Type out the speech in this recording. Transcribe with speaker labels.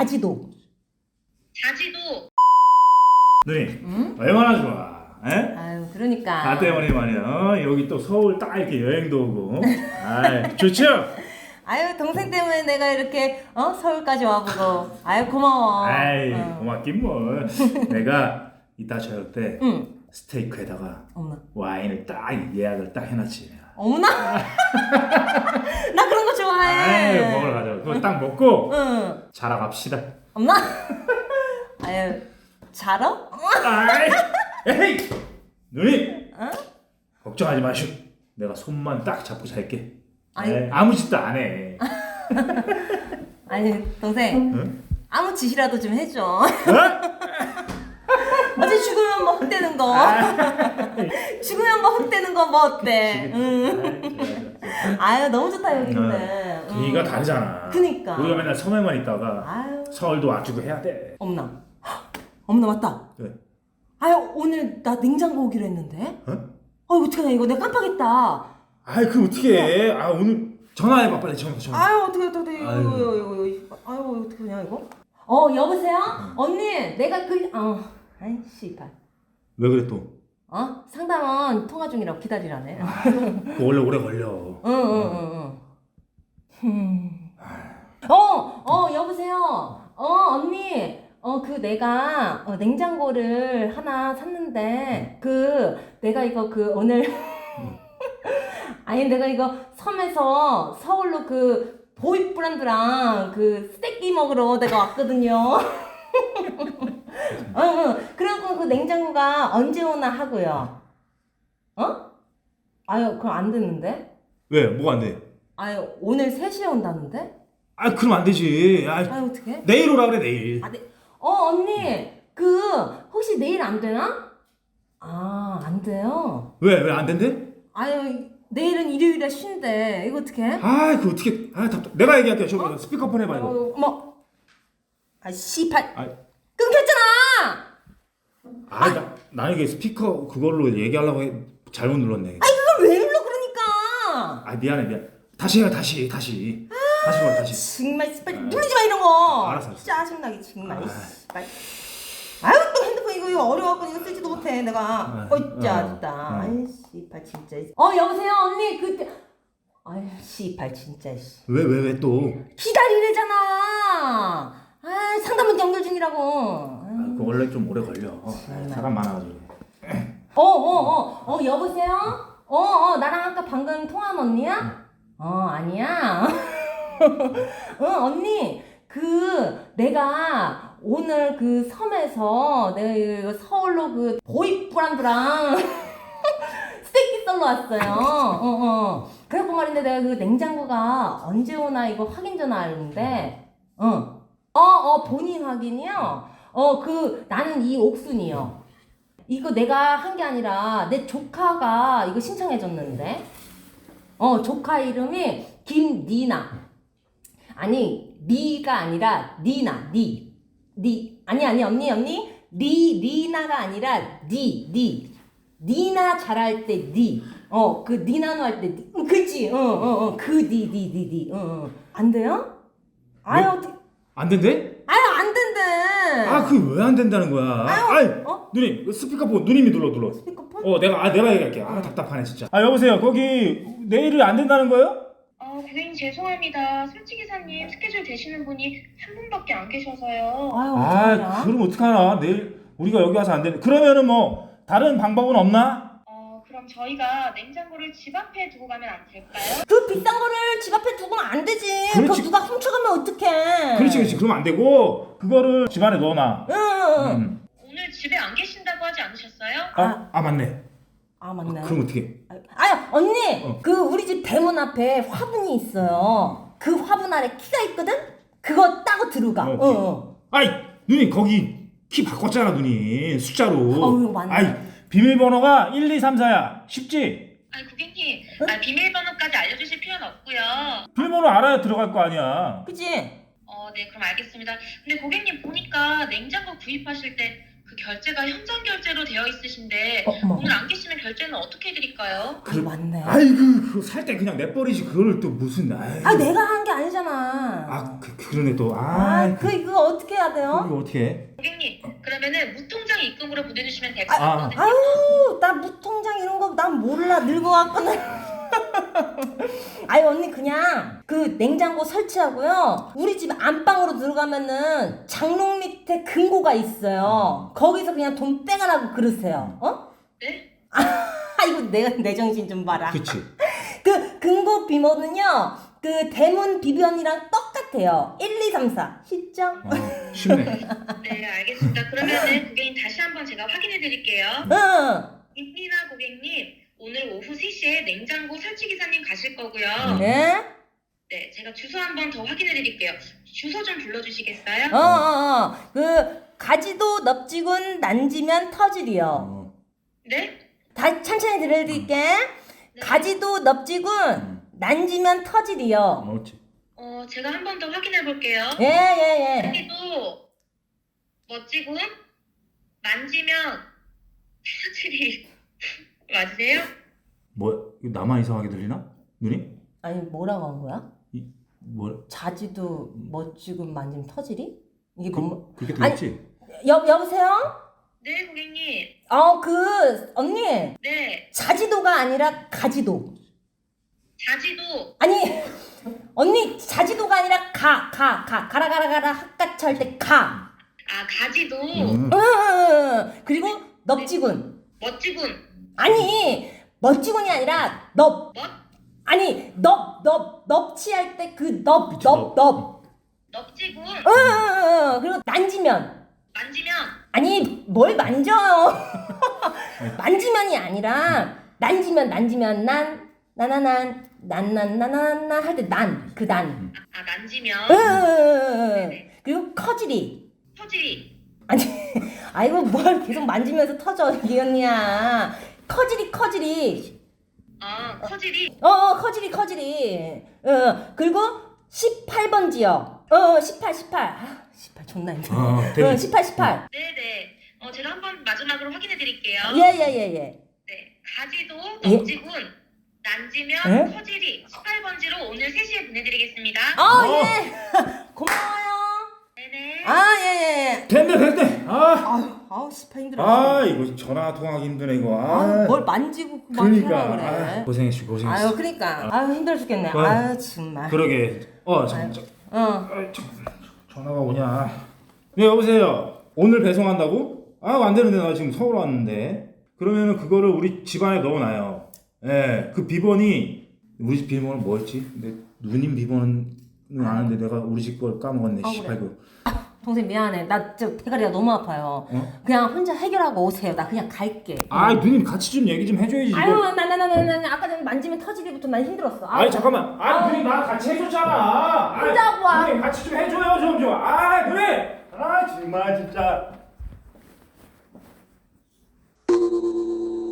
Speaker 1: 자지도.
Speaker 2: 자지도.
Speaker 3: 누님,
Speaker 1: 응?
Speaker 3: 얼마나 좋아. 에?
Speaker 1: 아유, 그러니까.
Speaker 3: 나 때문에 말이야. 여기 또 서울 딱 이렇게 여행도 오고. 아이, 좋죠?
Speaker 1: 아유, 동생 때문에 내가 이렇게 서울까지 와보고. 아유, 고마워.
Speaker 3: 아이,
Speaker 1: 응.
Speaker 3: 고맙긴 뭘. 내가 이따 저녁 때
Speaker 1: 응.
Speaker 3: 스테이크에다가
Speaker 1: 어머나.
Speaker 3: 와인을 딱 예약을 딱 해놨지.
Speaker 1: 어머나. 나 그런 거 좋아해.
Speaker 3: 아이, 먹으러 가자. 그거 딱 먹고
Speaker 1: 응.
Speaker 3: 자러 갑시다.
Speaker 1: 엄마. 아유, 자러?
Speaker 3: 아이, 에이, 누님,
Speaker 1: 응?
Speaker 3: 걱정하지 마시오. 내가 손만 딱 잡고 잘게.
Speaker 1: 아니.
Speaker 3: 에이, 아무 짓도 안 해.
Speaker 1: 아니, 동생.
Speaker 3: 응?
Speaker 1: 아무 짓이라도 좀 해줘.
Speaker 3: 어?
Speaker 1: 어제 죽으면 뭐 헛되는 거. 죽으면 뭐 헛되는 거 뭐 어때? 응. 아유, 너무 좋다 여기는.
Speaker 3: 분위기가 다르잖아.
Speaker 1: 그니까.
Speaker 3: 우리가 맨날 섬에만 있다가
Speaker 1: 아유.
Speaker 3: 서울도 와주고 해야 돼.
Speaker 1: 어머나. 어머나 맞다.
Speaker 3: 왜?
Speaker 1: 아유, 오늘 나 냉장고 오기로 했는데.
Speaker 3: 어?
Speaker 1: 어떡하냐 이거 내가 깜빡했다.
Speaker 3: 아이, 그 어떻게 해? 아, 오늘 전화해봐 빨리. 전화.
Speaker 1: 아유, 어떡해
Speaker 3: 아유.
Speaker 1: 아유, 어떡하냐 이거. 여보세요? 언니, 내가 아이 씨발.
Speaker 3: 왜 그래 또?
Speaker 1: 상담원 통화 중이라고 기다리라네.
Speaker 3: 그거 원래 오래 걸려.
Speaker 1: 응. 여보세요. 언니. 그 내가 냉장고를 하나 샀는데 내가 이거 오늘 아니 내가 이거 섬에서 서울로 보이 브랜드랑 스테이크 먹으러 내가 왔거든요. 그래갖고 그 냉장고가 언제 오나 하고요. 아유, 그럼 안 됐는데?
Speaker 3: 왜? 뭐가 안 돼?
Speaker 1: 아유, 오늘 3시에 온다는데?
Speaker 3: 아, 그럼 안 되지. 아,
Speaker 1: 아유, 어떡해?
Speaker 3: 내일 오라 그래 내일.
Speaker 1: 언니, 혹시 내일 안 되나? 안 돼요?
Speaker 3: 왜 안 된대?
Speaker 1: 아유, 내일은 일요일에 쉰대. 이거 어떡해?
Speaker 3: 아, 그 어떻게? 아, 답답. 내가 얘기할게. 저 스피커폰 해봐 이거.
Speaker 1: 어머. 씨발.
Speaker 3: 아,
Speaker 1: 끊겼잖아!
Speaker 3: 나 이게 스피커 그걸로 얘기하려고 잘못 눌렀네.
Speaker 1: 그걸 왜 눌러, 그러니까!
Speaker 3: 아, 미안. 다시 해, 다시. 다시 걸어, 다시.
Speaker 1: 정말 씨발 누르지 마 이런 거.
Speaker 3: 알았어.
Speaker 1: 짜증나게 정말. 씨발. 아유, 또 핸드폰 이거 어려워갖고 이거 쓰지도 못해 내가. 짜증나. 아이 씨발 진짜. 여보세요 언니 아유 씨발 진짜.
Speaker 3: 왜 또?
Speaker 1: 기다리래잖아. 상담원 연결 중이라고.
Speaker 3: 그거 원래 좀 오래 걸려. 사람 많아가지고.
Speaker 1: 여보세요? 나랑 아까 방금 통화한 언니야? 아니야. 언니, 내가 오늘 섬에서 내가 이거 서울로 보이 브랜드랑 스테이크 썰러 왔어요. 그래갖고 말인데 내가 냉장고가 언제 오나 이거 확인 전화하는데, 본인 확인이요? 나는 이 옥순이요. 이거 내가 한 게 아니라 내 조카가 이거 신청해줬는데, 조카 이름이 김니나. 아니, 니가 아니라 니나, 니. 아니, 언니. 리나가 아니라 니나 잘할 때 니. 니나노 할 때 니. 그치? 니. 안 돼요? 아유, 어떡해.
Speaker 3: 안 된대?
Speaker 1: 아유, 안 된대.
Speaker 3: 아, 그 왜 안 된다는 거야?
Speaker 1: 아유,
Speaker 3: 누님, 스피커폰 누님이 눌러.
Speaker 1: 스피커폰?
Speaker 3: 내가 얘기할게. 답답하네 진짜. 여보세요. 거기 내일이 안 된다는 거예요?
Speaker 2: 고객님 죄송합니다. 설치기사님 스케줄 되시는 분이 한 분밖에 안 계셔서요.
Speaker 1: 아유, 어떡하냐?
Speaker 3: 그럼 어떡하나? 내일 우리가 여기 와서 안 되네. 그러면은 뭐 다른 방법은 없나?
Speaker 2: 그럼 저희가 냉장고를 집 앞에 두고 가면 안 될까요?
Speaker 1: 그 비싼 거를 집 앞에 두고는 안 되지.
Speaker 3: 그렇지.
Speaker 1: 그거 누가 훔쳐가면 어떡해.
Speaker 3: 그렇지. 그럼 안 되고 그거를 집 안에 넣어놔.
Speaker 1: 응.
Speaker 2: 오늘 집에 안 계신다고 하지 않으셨어요?
Speaker 3: 맞네.
Speaker 1: 맞네.
Speaker 3: 그럼 어떻게?
Speaker 1: 언니, 우리 집 대문 앞에 화분이 있어요. 그 화분 아래 키가 있거든? 그거 따고 들어가.
Speaker 3: 아이, 누님 거기 키 바꿨잖아, 누님. 숫자로.
Speaker 1: 이거 맞네.
Speaker 3: 비밀번호가 1, 2, 3, 4야. 쉽지?
Speaker 2: 고객님, 비밀번호까지 알려주실 필요는 없고요.
Speaker 3: 비밀번호 알아야 들어갈 거 아니야.
Speaker 1: 그치?
Speaker 2: 네, 그럼 알겠습니다. 근데 고객님 보니까 냉장고 구입하실 때 그 결제가 현장 결제로 되어 있으신데
Speaker 1: 어머.
Speaker 2: 오늘 안 계시면 결제는 어떻게 해드릴까요?
Speaker 1: 아 맞네.
Speaker 3: 아이고 그거 살 때 그냥 내버리지 그걸 또 무슨
Speaker 1: 아 내가 한 게 아니잖아.
Speaker 3: 그러네 또
Speaker 1: 그거 어떻게 해야 돼요?
Speaker 3: 이거 어떻게 해?
Speaker 2: 고객님, 그러면은 무통장 입금으로 보내주시면 될 것
Speaker 3: 아.
Speaker 2: 같거든요.
Speaker 1: 아유 나 무통장 이런 거 난 몰라 늙어갖고는. 아유 언니 그냥 그 냉장고 설치하고요. 우리 집 안방으로 들어가면은 장롱 밑에 금고가 있어요. 거기서 그냥 돈 빼가라고 그러세요. 어?
Speaker 2: 네?
Speaker 1: 아이고 내 정신 좀 봐라.
Speaker 3: 그치.
Speaker 1: 그 금고 비번은요. 그 대문 비번이랑 똑같아요. 1, 2, 3, 4. 쉽죠?
Speaker 3: 쉽네.
Speaker 2: 네, 알겠습니다. 그러면은 고객님 다시 한번 제가 확인해 드릴게요.
Speaker 1: 응.
Speaker 2: 임리나 고객님, 오늘 오후 3시에 냉장고 설치 기사님 가실 거고요.
Speaker 1: 네?
Speaker 2: 네, 제가 주소 한번 더 확인해 드릴게요. 주소 좀 불러주시겠어요?
Speaker 1: 그 가지도 넙지군 난지면 터질이요.
Speaker 2: 네?
Speaker 1: 다 천천히 들려드릴게.
Speaker 2: 네.
Speaker 1: 가지도 넙지군 난지면 터질이요.
Speaker 3: 옳지.
Speaker 2: 제가 한 번 더 확인해 볼게요.
Speaker 1: 예.
Speaker 2: 여기도 멋지군 만지면 터질이 맞으세요?
Speaker 3: 뭐 이거 나만 이상하게 들리나? 누님?
Speaker 1: 아니 뭐라고 한 거야?
Speaker 3: 뭐
Speaker 1: 자지도 멋지군 만지면 터질이? 이게 뭐?
Speaker 3: 그렇게 들렸지?
Speaker 1: 여보세요?
Speaker 2: 네, 고객님.
Speaker 1: 언니
Speaker 2: 네,
Speaker 1: 자지도가 아니라 가지도.
Speaker 2: 자지도.
Speaker 1: 아니 언니 자지도가 아니라 가라 학같이 할 때 가.
Speaker 2: 아, 가지도.
Speaker 1: 그리고 넙지군.
Speaker 2: 멋지군.
Speaker 1: 아니 멋지군이 아니라 넙.
Speaker 2: 멋?
Speaker 1: 아니 넙치 할 때 그 넙.
Speaker 2: 넙지군.
Speaker 1: 그리고 난지면.
Speaker 2: 만지면.
Speaker 1: 아니 뭘 만져요. 만지면이 아니라 난지면 난나나난 할 때 그 난.
Speaker 2: 아, 만지면.
Speaker 1: 그리고 커지리.
Speaker 2: 터질이.
Speaker 1: 아니 아이고 뭘 계속 만지면서 터져 이 언니야. 커지리.
Speaker 2: 아, 커질이.
Speaker 1: 커지리. 그리고 18번지요. 18. 18 존나 힘들어. 18.
Speaker 2: 네네. 제가 한번 마지막으로 확인해 드릴게요.
Speaker 1: 예.
Speaker 2: 네. 가지도,
Speaker 1: 예?
Speaker 2: 넙지군, 난지면,
Speaker 1: 예?
Speaker 2: 커질이 18번지로 오늘 3시에 보내드리겠습니다.
Speaker 1: 예. 고마워요.
Speaker 2: 네네.
Speaker 1: 예.
Speaker 3: 됐네.
Speaker 1: 아우 18 힘들어.
Speaker 3: 이거 전화 통화하기 힘드네 이거.
Speaker 1: 뭘 만지고 막 하라
Speaker 3: 그러니까
Speaker 1: 그래.
Speaker 3: 고생했어.
Speaker 1: 아유 그러니까 힘들어 죽겠네. 아유 정말.
Speaker 3: 그러게.
Speaker 1: 어.
Speaker 3: 전화가 오냐? 네 여보세요. 오늘 배송한다고? 안 되는데 나 지금 서울 왔는데. 그러면은 그거를 우리 집안에 넣어놔요. 예, 그 비번이 우리 집 비번은 뭐였지? 근데 누님 비번은 아는데 내가 우리 집 걸 까먹었네.
Speaker 1: 그래.
Speaker 3: 씨발 그.
Speaker 1: 동생 미안해. 나 저 대가리가 너무 아파요. 그냥 혼자 해결하고 오세요. 나 그냥 갈게.
Speaker 3: 누님 같이 좀 얘기 좀 해줘야지. 이거.
Speaker 1: 아유 나 아까 전에 만지면 터지기부터 난 힘들었어.
Speaker 3: 잠깐만. 누님 나 같이 해줬잖아.
Speaker 1: 혼자 와.
Speaker 3: 누님 같이 좀 해줘요 좀. 누님. 정말 진짜.